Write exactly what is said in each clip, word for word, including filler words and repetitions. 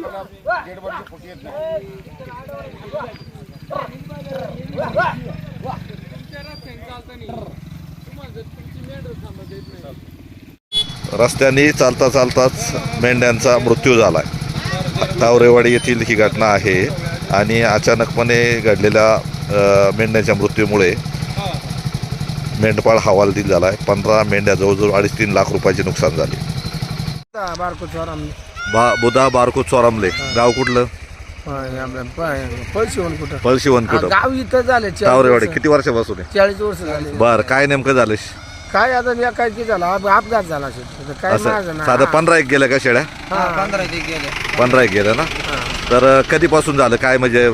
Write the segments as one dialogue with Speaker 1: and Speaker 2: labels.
Speaker 1: रस्त्याने चालता चालताच मेंढ्यांचा मृत्यू झाला आहे. तावरेवाडी येथील ही घटना आहे आणि अचानकपणे घडलेल्या मेंढ्यांच्या मृत्यूमुळे मेंढपाळ हवालदिल झाला आहे. पंधरा मेंढ्या जवळजवळ अडीच तीन लाख रुपयाचे नुकसान झाले. बा बुधा बारको चोरामले गाव कुठलं? पळशिवन कुठं?
Speaker 2: गाव इथं झाले
Speaker 1: तावरेवाडी. किती वर्षापासून आहे?
Speaker 2: चाळीस वर्ष झाले.
Speaker 1: बर, काय नेमकं झालं?
Speaker 2: काय आता मी काय की झाला अपघात झाला काय
Speaker 1: असं साधं पंधरा एक गेल्या का शेळ्या?
Speaker 2: पंधरा गेले
Speaker 1: पंधरा एक गेल्या ना. तर कधीपासून झालं काय म्हणजे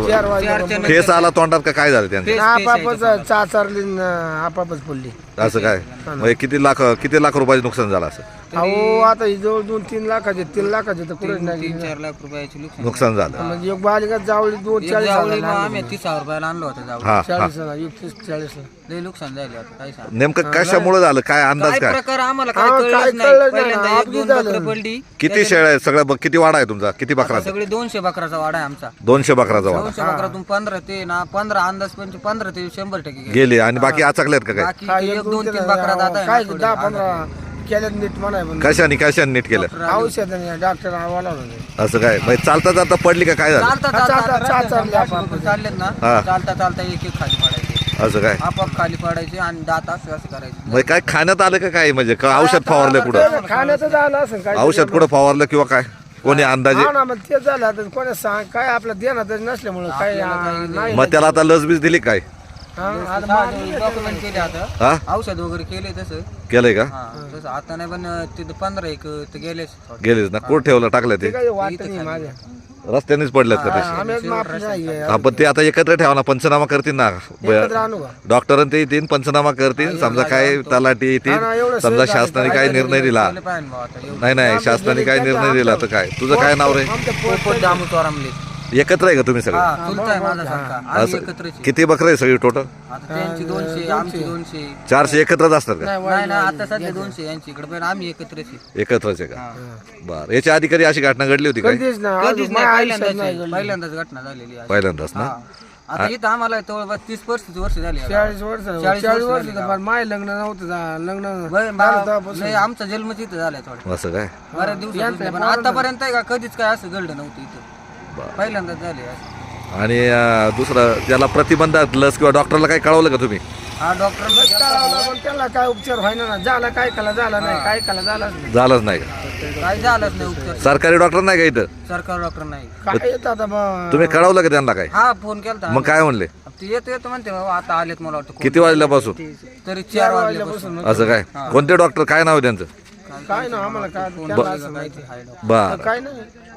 Speaker 1: फेस आला तोंडात का काय झालं त्यांचं?
Speaker 2: आपापच चाचारली आपापच पडली.
Speaker 1: असं काय म्हणजे किती लाख किती लाख रुपयाचं नुकसान झालं असं?
Speaker 2: अहो आता ही जवळ दोन तीन लाखाचे तीन लाखाचे तर कुठे नाही
Speaker 3: चार लाख रुपयाचे
Speaker 1: नुकसान झालं.
Speaker 2: म्हणजे एक बालिका जावळी दोन चाळीस
Speaker 3: आम्ही तीस हजार रुपयाला आणलं होतं जावळी.
Speaker 1: हा
Speaker 2: चाळीस एकतीस चाळीस
Speaker 3: लय नुकसान झाले आता काय सांग.
Speaker 1: नेमकं कशामुळे झालं काय अंदाज
Speaker 3: काय
Speaker 1: काय?
Speaker 3: प्रकार आम्हाला
Speaker 2: हा,
Speaker 3: काय
Speaker 2: काय
Speaker 3: कळलंच
Speaker 2: कळलं
Speaker 3: नाही.
Speaker 2: नाही.
Speaker 3: पहिल्यांदा एक
Speaker 2: अपघात
Speaker 3: दोन
Speaker 2: झालं.
Speaker 3: बकरं पडली.
Speaker 1: किती शेळ्या आहेत सगळ्या ब- किती वाडा आहे तुमचा? किती बकराचा?
Speaker 3: सगळे दोनशे बकराचा वाडा आहे आमचा.
Speaker 1: दोनशे बकराचा वाडा
Speaker 3: दोनशे बकरातून पंधरा ते ना पंधरा अंदाज पंच पंधरा ते शंभर टक्के गेले.
Speaker 1: गेले आणि बाकी आचकल्यात का काय?
Speaker 3: बाकी ते एक दोन तीन बकरा जात आहे
Speaker 2: काय
Speaker 3: ना थोडे.
Speaker 2: दहा पंधरा केल्यात नीट म्हणाय पण
Speaker 1: कशाने कशाने नीट केलं?
Speaker 2: औषध डॉक्टर आवाला
Speaker 1: असं काय म्हणजे चालता चालता पडली का काय झालं?
Speaker 3: चालता
Speaker 2: चालता-
Speaker 3: चालता
Speaker 2: चालता-
Speaker 3: चालता
Speaker 2: चालता-
Speaker 3: बकरं चाललेत ना
Speaker 1: हा.
Speaker 3: चालता चालता एक एक खाली पडायचे.
Speaker 1: असं काय
Speaker 3: आपाप खाली पडायचे आणि दात असं असं करायचे.
Speaker 1: म्हणजे काय खाण्यात आलं का काय म्हणजे का औषध फवारलं कुठं?
Speaker 2: खाण्याचं झालं असं काय
Speaker 1: औषध कुठं फवारलं किंवा काय कोणी अंदाजे?
Speaker 2: हा ना मग ते झालं आता कोणी सांग काय आपलं देणार नसल्यामुळं काय नाही
Speaker 1: मग त्याला आता लस बीज दिली काय?
Speaker 2: हा, आता मा-
Speaker 3: डॉक्युमेंट केले आता
Speaker 1: हा
Speaker 3: औषध वगैरे केले तसं.
Speaker 1: केलंय का?
Speaker 3: हा तसं आता नाही पण तिथं पंधरा एक ते गेलेच थोडे.
Speaker 1: गेलेच ना. कुठं ठेवलं टाकलं
Speaker 2: ते
Speaker 1: ते?
Speaker 2: काही वाटत नाही माझ्या
Speaker 1: रस्त्यानेच पडलेत का तसे?
Speaker 2: आम्ही माफ नाही
Speaker 1: हा पण ते आता एकत्र ठेवा ना, पंचनामा करतील ना.
Speaker 2: एकत्र आणू का?
Speaker 1: डॉक्टर ते येतील पंचनामा करतील. समजा काय तलाठी
Speaker 2: हा
Speaker 1: येतील,
Speaker 2: ना, एवढं
Speaker 1: समजा
Speaker 2: सहज
Speaker 1: शासनाने
Speaker 2: झालं.
Speaker 1: काय निर्णय दिला
Speaker 3: गेले पाहिजे भाऊ आता एवढं.
Speaker 1: नाही नाही शासनाने काय निर्णय दिला तर काय? तुझं काय नाव रे?
Speaker 2: आमच्या
Speaker 3: पोपट दामू चोरामले.
Speaker 1: एकत्र आहे का तुम्ही सगळे?
Speaker 3: हा चुलता आहे माझा सारखा. आम्ही
Speaker 1: असं
Speaker 3: एकत्रच आहे.
Speaker 1: किती बकरं आहे सगळी टोटल?
Speaker 3: आता त्यांची दोनशे आमची दोनशे.
Speaker 1: चारशे एकत्रच असतात का?
Speaker 3: नाही ना आता सध्या दोनशे यांची इकडे पण आम्ही एकत्रच आहे.
Speaker 1: एकत्रच आहे का? बर, याच्या आधी कधी अशी घटना घडली होती काय?
Speaker 2: कधीच ना
Speaker 3: कधीच
Speaker 2: अजून
Speaker 3: नाही
Speaker 2: माझ्या
Speaker 3: पहिल्यांदाच
Speaker 2: आयुष्यात नाही
Speaker 3: आहे.
Speaker 2: घडलं.
Speaker 3: पहिल्यांदाच घटना झालेली आहे.
Speaker 1: पहिल्यांदाच ना.
Speaker 3: हा. आता इथं आम्हाला जवळपास तीस पस्तीस वर्ष झाली आता.
Speaker 2: चाळीस वर्ष
Speaker 3: चाळीस
Speaker 2: चाळीस
Speaker 3: वर्ष
Speaker 2: वर्ष
Speaker 3: झाली
Speaker 2: पण माय लग्न नव्हतं झा- लग्न
Speaker 3: बरं,
Speaker 2: झालं
Speaker 3: बा-
Speaker 2: तेव्हापासून.
Speaker 3: नाही, आमचा जन्म तिथं झालाय थोडा
Speaker 1: असं काय?
Speaker 3: बऱ्याच दिवसात पण आतापर्यंत आहे का कधीच काय असं घडलं नव्हतं इथं. पहिल्यांदाच झाले असं.
Speaker 1: आणि अं, दुसरं त्याला प्रतिबंधात लस किंवा डॉक्टरला काही कळवलं का तुम्ही?
Speaker 3: हा डॉक्टर
Speaker 2: कळावलं पण त्याला काय उपचार व्हायना ना झाला काय कला झाला नाही काय कला झालाच नाही
Speaker 1: झालंच नाही का?
Speaker 3: काय झालंच नाही उपचार.
Speaker 1: सरकारी डॉक्टर नाही का इथं?
Speaker 3: सरकार डॉक्टर नाही.
Speaker 2: काय येत आता मग
Speaker 1: तुम्ही कळवलं का त्यांना काय?
Speaker 3: हा फोन केलता
Speaker 1: मग काय म्हणले?
Speaker 3: ते येतो येतो म्हणते बाबा आता आलेत मला वाटतं.
Speaker 1: किती वाजल्यापासून?
Speaker 3: तरी चार वाजल्यापासून.
Speaker 1: असं काय? कोणते डॉक्टर काय नाव आहे त्यांचं?
Speaker 2: काय ना आम्हाला काय त्याला असं माहिती
Speaker 1: बर,
Speaker 2: काय नाही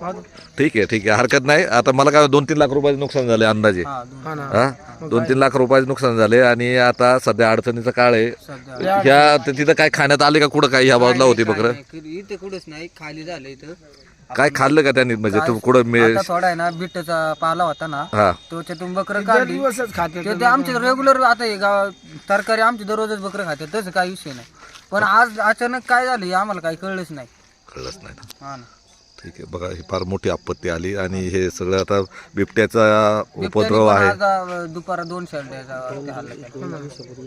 Speaker 1: ठीक आहे ठीक आहे, हरकत नाही. आता मला काय दोन तीन लाख रुपयाचे नुकसान झाले अंदाजे.
Speaker 3: हा, दोन-
Speaker 2: हा ना
Speaker 1: हा दोन तीन लाख रुपयाचे नुकसान झाले आणि आता सध्या अडचणीचा काळ आहे.
Speaker 3: सध्या
Speaker 1: ह्या तिथं काय खाण्यात आले का कुठं काय ह्या बाजूला होती बकरं?
Speaker 3: नाही, इथं कुठंच नाही खाली झालं इथं.
Speaker 1: काय खाल्लं का त्यांनी म्हणजे तू कुठं मी
Speaker 3: आता थोडा आहे ना बिट्टचा पाला होता ना
Speaker 1: हा
Speaker 3: त्याच्यातून बकरं काढली.
Speaker 2: दिवसच खाते
Speaker 3: ते ते आमचे रेग्युलर आता हे गाव तरकारी आमचे दररोजच बकरं खाते तसं काही विषय नाही. पण आज अचानक काय झालं हे आम्हाला काही कळलंच नाही.
Speaker 1: कळलंच नाही ना.
Speaker 3: हा ना.
Speaker 1: ठीक आहे, बघा ही फार मोठी आपत्ती आली आणि हे सगळं आता बिबट्याचा उपद्रव
Speaker 3: बिबट्याने
Speaker 1: आहे.
Speaker 3: पण आज, अं, दुपारा दोन शेळ्याचा वरती हल्ला केला.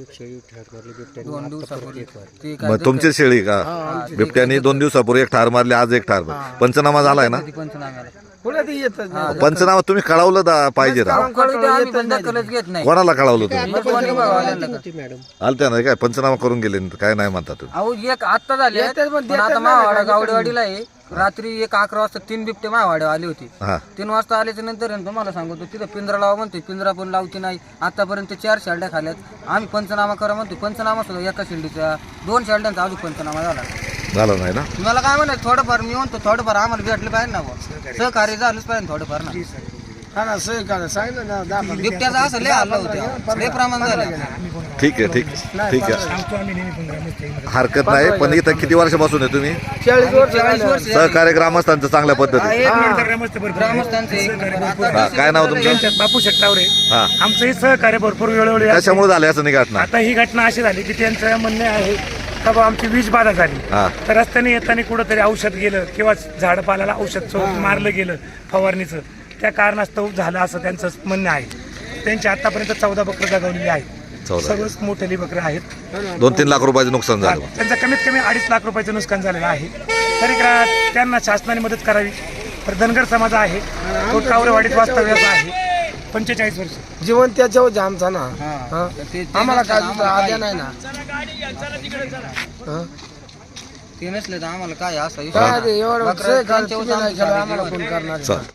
Speaker 3: दोन दिवसापूर्वी ते काय
Speaker 1: मग तुमची शेळी का बिबट्याने दोन दिवसापूर्वी एक ठार मारली, आज एक ठार मारली. पंचनामा झालाय ना?
Speaker 3: ते पंचनाम्याला
Speaker 2: पुढे ते येतच नाही
Speaker 1: पंचनामा तुम्ही कळवलं दा- पाहिजे ना.
Speaker 3: कळू द्या, आम्ही पण दखलच घेत नाही.
Speaker 1: कोणाला कळवलं तुम्ही?
Speaker 3: मग कोणी बघायला का?
Speaker 1: आलत्या ना काय पंचनामा करून गेले ना, काय नाही म्हणता तुम्ही?
Speaker 3: अहो एक आत्ता झाले पण आता मावाडा गावडेवाडीला आहे. रात्री एक अकरा वाजता तीन बिबटे मावाड्या आली होती.
Speaker 1: हा
Speaker 3: तीन वाजता आल्याच्या नंतर आहे ना तुम्हाला सांगतो तिथं पिंजरा लावा म्हणते, पिंजरा पण लावती नाही. आतापर्यंत चार शेंड्या खाल्यात. आम्ही पंचनामा करा म्हणतो, पंचनामा सुद्धा एका शेंडीचा दोन शेंड्यांचा अजून पंचनामा झाला.
Speaker 1: झालं नाही ना.
Speaker 3: तुम्हाला काय म्हणायचं थोडंफार मी म्हणतो थोडंफार आम्हाला भेटलं पाहिजे ना बुवा. सहकार्य झालंच पाहिजे थोडंफार ना.
Speaker 2: हा ना सही का सांगितलं ना दहा पंधरा.
Speaker 3: बिबट्याचा असं लय हल्ला होते लय प्रमाण झालं.
Speaker 1: ठीक आहे ठीक ठीक आहे, हरकत नाही. पण इथं किती वर्षापासून आहे तुम्ही?
Speaker 2: चाळीस वर्ष
Speaker 3: चाळीस वर्ष
Speaker 1: सहकार्य ग्रामस्थांचं चांगल्या पद्धती.
Speaker 3: ग्रामस्थांचे
Speaker 1: हा, काय नाव तुमचं?
Speaker 4: बापू शेट्टावरे.
Speaker 1: हा,
Speaker 4: आमचंही सहकार्य भरपूर वेळोवेळी असते.
Speaker 1: कशामुळे झाले असं नाही घटना?
Speaker 4: आता ही घटना अशी झाली की त्यांचं म्हणणे आहे का बा आमची वीज बाधा झाली
Speaker 1: हा.
Speaker 4: तर रस्त्याने येताना कुठंतरी औषध गेलं किंवा झाडपाल्याला औषध चो- मारलं गेलं फवारणीचं, त्या कारणास्तव झालं असं त्यांचं म्हणणं आहे. त्यांची आतापर्यंत चौदा बकरं जगवलेली आहेत,
Speaker 1: चौदा.
Speaker 4: सर्वच मोठेली बकरं आहेत.
Speaker 1: दोन तीन लाख रुपयाचं नुकसान झालं.
Speaker 4: त्यांचं कमीत कमी अडीच लाख रुपयाचं नुकसान झालेलं आहे. तरी ग्रा- त्यांना शासनाने मदत करावी. तर धनगर समाज आहे तो टावरेवाडीत वास्तव्याचा आहे पंचेचाळीस वर्ष.
Speaker 2: जीवन त्याच्यावर आहे आमचा ना.
Speaker 3: हा.
Speaker 2: हा.
Speaker 3: तर ते- ते
Speaker 2: आम्हाला
Speaker 3: नसलं
Speaker 2: काय
Speaker 3: तर
Speaker 2: दुसरं
Speaker 3: आम्हाला
Speaker 2: आद्या
Speaker 3: काय-
Speaker 2: नाही ना. हा.
Speaker 3: ते नसले तर आम्हाला काय असं
Speaker 2: काय ते एवढं
Speaker 3: बकरं
Speaker 2: सगळं
Speaker 3: त्यांच्यावर
Speaker 2: तुम्ही नाही
Speaker 3: आमचं
Speaker 2: केलं, आम्हाला
Speaker 3: चालू
Speaker 2: कोण करणार आहे?
Speaker 1: चल